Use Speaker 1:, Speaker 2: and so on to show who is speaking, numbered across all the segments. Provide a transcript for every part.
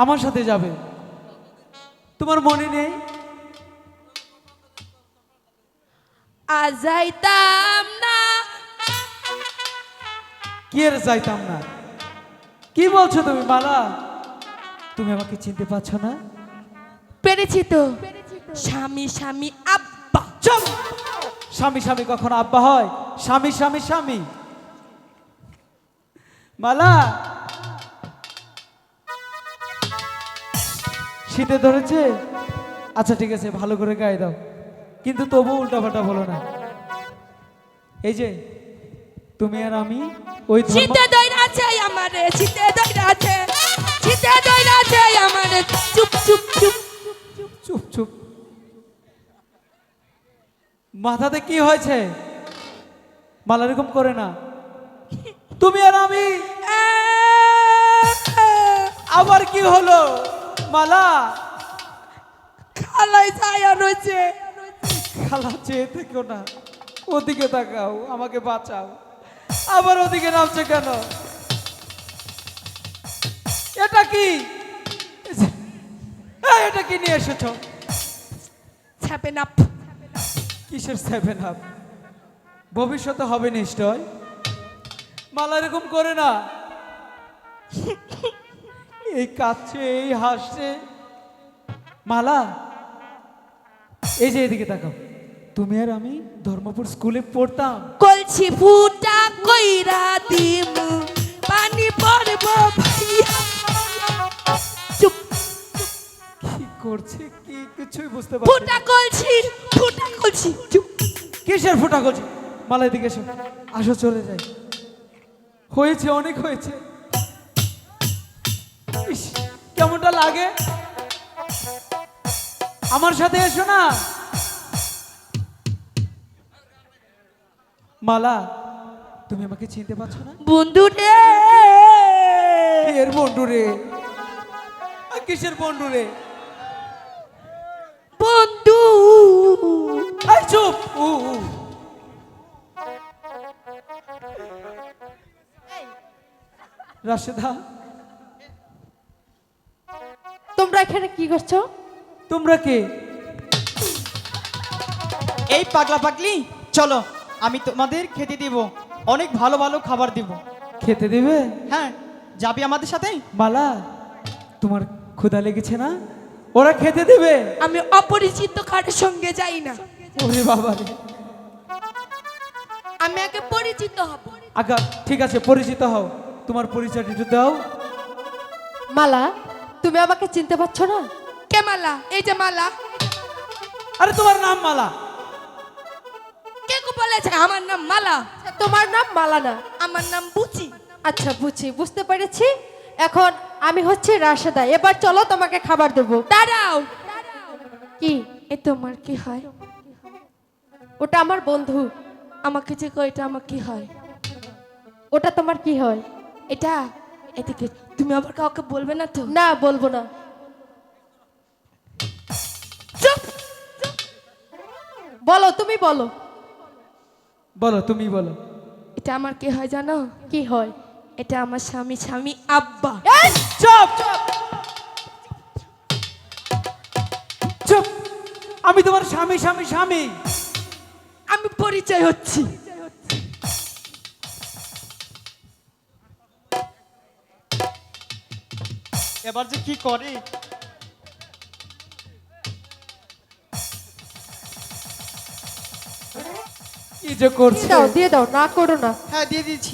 Speaker 1: আমার সাথে যাবে। তোমার মনে নেই?
Speaker 2: আজ যাইতাম না।
Speaker 1: কি এর যাইতাম না? কি বলছো তুমি মালা? তুমি আমাকে চিনতে পারছো না?
Speaker 2: পেরেছি তো, স্বামী স্বামী আব্বা।
Speaker 1: চুপ! স্বামী স্বামী কখনো আব্বা হয়? স্বামী স্বামী স্বামী। মালা, শীতে ধরেছে? আচ্ছা ঠিক আছে, ভালো করে গায়ে দাও, কিন্তু তবু উল্টাপাল্টা বলো না। এই যে তুমি আর আমি ওই
Speaker 2: শীতে দইরা আছে আমারে, শীতে দইরা আছে, শীতে দইরা আছে আমারে। চুপ চুপ চুপ
Speaker 1: চুপ চুপ। মাথাতে কি হয়েছে মালা? এরকম করে না। তুমি আর আমি আবার কি হলো মালা?
Speaker 2: খালাই ছায়া রয়েছে।
Speaker 1: খালা চেয়ে থেকো না, ওদিকে তাকাও, আমাকে বাঁচাও। আবার ওদিকে নামছে কেন? এটা কি? এটা কি নিয়ে এসেছো?
Speaker 2: Seven up.
Speaker 1: কিসের 7 আপ? ভবিষ্যতে হবে নিশ্চয়। মালা এরকম করে না। এই কাঁদছে, এই হাসছে। মালা, এই যে এদিকে তাকাও। তুমি আর আমি ধর্মপুর স্কুলে পড়তাম।
Speaker 2: কলছি ফুটা কইরা দিমু, পানি পড়ব ভাইয়া। চুপ।
Speaker 1: কি করছে কি কিছুই বুঝতে পারছি
Speaker 2: ফুটা
Speaker 1: না।
Speaker 2: কলছি, ফুটা কলছি। চুপ।
Speaker 1: কিসের ফোঁটা করছি? মালা এদিকে এসো, আসো চলে যাই। হয়েছে, অনেক হয়েছে। ইস, কেমনটা লাগে? আমার সাথে এসো না। মালা, তুমি আমাকে চিনতে পারছো না?
Speaker 2: বন্ধু রে,
Speaker 1: এর বন্ধু রে। কিসের বন্ধু রে?
Speaker 2: বন্ধু।
Speaker 1: এই চুপ! রাশেদা,
Speaker 2: তোমরা এখানে কি করছো?
Speaker 1: তোমরা কে?
Speaker 3: এই পাগলা পাগলি, চলো আমি তোমাদের খেতে দিব, অনেক ভালো ভালো খাবার দিব।
Speaker 1: খেতে দেবে?
Speaker 3: হ্যাঁ, যাবি আমাদের সাথে?
Speaker 1: মালা, তোমার ক্ষুধা লেগেছে না? ওরা খেতে দেবে।
Speaker 2: আমি অপরিচিত কারোর সঙ্গে যাই না,
Speaker 1: ওরে বাবা রে।
Speaker 2: আমি আগে পরিচিত হব।
Speaker 1: আচ্ছা ঠিক আছে, পরিচিত হও। তোমার পরিচয়টা একটু দাও।
Speaker 4: মালা, তুমি আমাকে চিনতে পারছো না?
Speaker 2: কে মালা? এই যে মালা।
Speaker 1: আরে তোমার নাম মালা?
Speaker 2: কে কো বলেছে আমার নাম মালা?
Speaker 4: তোমার নাম মালা না।
Speaker 2: আমার নাম বুচি।
Speaker 4: আচ্ছা বুঝছি, বুঝতে পেরেছি। এখন আমি হচ্ছে রাশেদা। এবার চলো তোমাকে খাবার দেবো।
Speaker 2: দাঁড়াও।
Speaker 4: কি?
Speaker 2: এ তোমার কি হয়?
Speaker 4: ওটা আমার বন্ধু।
Speaker 2: আমাকে যে কো এটা আমার কি হয়?
Speaker 4: ওটা তোমার কি হয়?
Speaker 2: এটা এদিকে তুমি আবার কাউকে বলবে না তো?
Speaker 4: না, বলবো না।
Speaker 2: চুপ।
Speaker 4: বলো, তুমি বলো।
Speaker 1: বলো, তুমি বলো।
Speaker 2: এটা আমার কি হয় জানো?
Speaker 4: কি হয়?
Speaker 2: এটা আমার স্বামী স্বামী আব্বা।
Speaker 4: এই!
Speaker 1: চুপ! চুপ! আমি তোমার স্বামী স্বামী স্বামী।
Speaker 2: আমি পরিচয় হচ্ছি।
Speaker 3: এবার যে কি করে।
Speaker 1: কি যে করছে?
Speaker 4: দিয়ে দাও, দিয়ে দাও, না করো না।
Speaker 3: হ্যাঁ, দিয়ে দিয়েছি।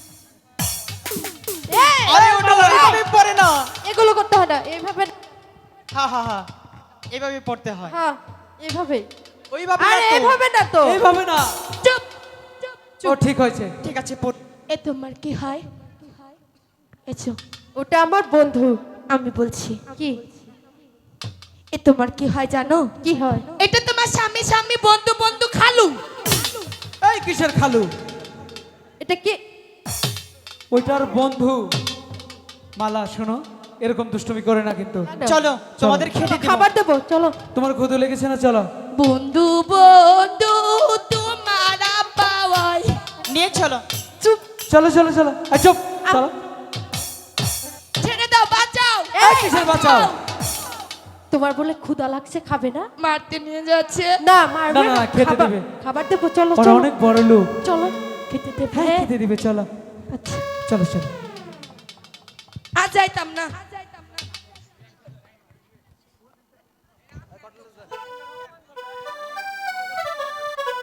Speaker 4: এই!
Speaker 3: আরে ওটা ওইভাবে পড়ে না।
Speaker 4: এগুলো করতে হয় না, এইভাবে।
Speaker 3: হ্যাঁ হ্যাঁ হ্যাঁ, এইভাবে পড়তে হয়।
Speaker 4: হ্যাঁ, এইভাবে।
Speaker 3: ওইভাবে
Speaker 4: আরে
Speaker 3: না তো।
Speaker 4: এইভাবে না তো।
Speaker 1: এইভাবে না।
Speaker 2: চুপ।
Speaker 1: ও ঠিক হয়েছে।
Speaker 3: ঠিক আছে, পড়।
Speaker 2: এ তোমার কি হয়? এসো,
Speaker 4: ওটা আমার বন্ধু।
Speaker 2: আমি বলছি।
Speaker 4: কি?
Speaker 2: এ তোমার কি হয় জানো?
Speaker 4: কি হয়?
Speaker 2: এটা তোমার স্বামী স্বামী বন্ধু বন্ধু খালু।
Speaker 1: এই কিসের খালু?
Speaker 4: এটা কি?
Speaker 1: ওইটার বন্ধু। মালা শোনো, এরকম দুষ্টুমি করে না কিন্তু।
Speaker 3: চলো তোমাদের খেতে দিব।
Speaker 4: খাবার দেবো, চলো।
Speaker 1: তোমার ক্ষুধা লেগেছে না? চলো।
Speaker 2: বন্ধু বন্ধু তোমার পাওয়াই।
Speaker 3: নিয়ে চলো।
Speaker 2: চুপ।
Speaker 1: চলো চলো চলো। চুপ! চলো।
Speaker 2: ছেড়ে দাও, বাঁচাও।
Speaker 4: এই!
Speaker 1: কিসের বাঁচাও?
Speaker 4: তোমার বলে ক্ষুধা লাগছে, খাবে না?
Speaker 2: মারতে নিয়ে যাচ্ছে।
Speaker 4: না মারবে
Speaker 1: না, না,
Speaker 4: না,
Speaker 1: খেতে
Speaker 4: খাবার-
Speaker 1: দেবে।
Speaker 4: খাবার দেবো, চলো
Speaker 1: ওরা
Speaker 4: চলো
Speaker 1: অনেক বড় লোক।
Speaker 4: চলো খেতে দেবে।
Speaker 1: হ্যাঁ খেতে দিবে, চলো
Speaker 4: আচ্ছা
Speaker 1: চলো চলো।
Speaker 2: আর যাইতাম না।